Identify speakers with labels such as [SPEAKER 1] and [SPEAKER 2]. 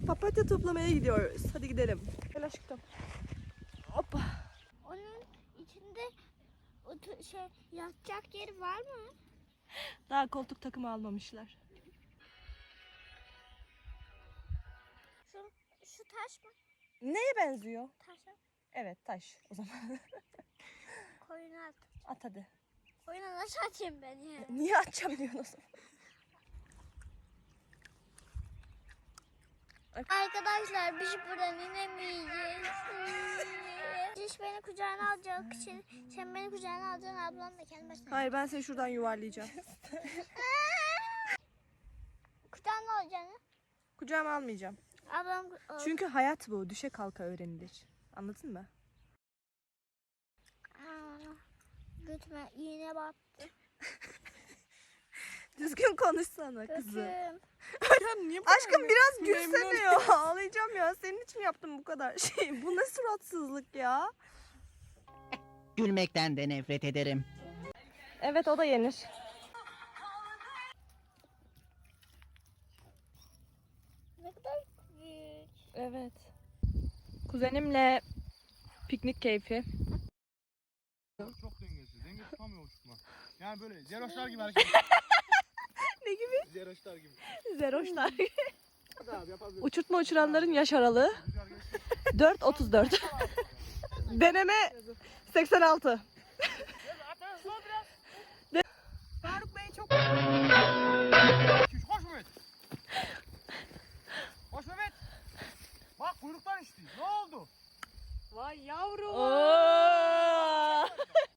[SPEAKER 1] Papatya toplamaya gidiyoruz. Hadi gidelim. Gel aşkım. Hoppa.
[SPEAKER 2] Onun içinde yatacak yeri var mı?
[SPEAKER 1] Daha koltuk takımı almamışlar.
[SPEAKER 2] Şu taş mı?
[SPEAKER 1] Neye benziyor?
[SPEAKER 2] Taşa.
[SPEAKER 1] Evet, taş o zaman.
[SPEAKER 2] Koyuna at.
[SPEAKER 1] At hadi.
[SPEAKER 2] Koyuna nasıl atayım ben ya?
[SPEAKER 1] Niye atacağım diyorsun o zaman?
[SPEAKER 2] Arkadaşlar biz buradan inemeyeceğiz. Ciş beni kucağına alacak için sen beni kucağına alacaksın, ablam da kendi başına.
[SPEAKER 1] Hayır, ben seni şuradan yuvarlayacağım.
[SPEAKER 2] Kucağına alacaksın.
[SPEAKER 1] Kucağıma almayacağım.
[SPEAKER 2] Ablam
[SPEAKER 1] Çünkü hayat bu. Düşe kalka öğrenilir. Anladın mı?
[SPEAKER 2] götüme iğne battı.
[SPEAKER 1] Düzgün konuşsana kızım.
[SPEAKER 2] Götüm.
[SPEAKER 1] Aşkım biraz gülsene ya. Ağlayacağım ya. Senin için yaptım bu kadar şey. Bu ne suratsızlık ya?
[SPEAKER 3] Gülmekten de nefret ederim.
[SPEAKER 1] Evet, o da yenir.
[SPEAKER 2] Ne kadar büyük.
[SPEAKER 1] Evet. Kuzenimle piknik keyfi.
[SPEAKER 4] Çok dengesiz. Denge tutamıyor uçurtma. Yani böyle zeroşlar gibi hareket.
[SPEAKER 1] Ne gibi?
[SPEAKER 4] Zeroşlar gibi.
[SPEAKER 1] Zeroşlar.
[SPEAKER 4] Hadi abi yapabiliriz.
[SPEAKER 1] Uçurtma uçuranların yaş aralığı
[SPEAKER 4] Rüzgar geçti.
[SPEAKER 1] 4-34. Deneme 86.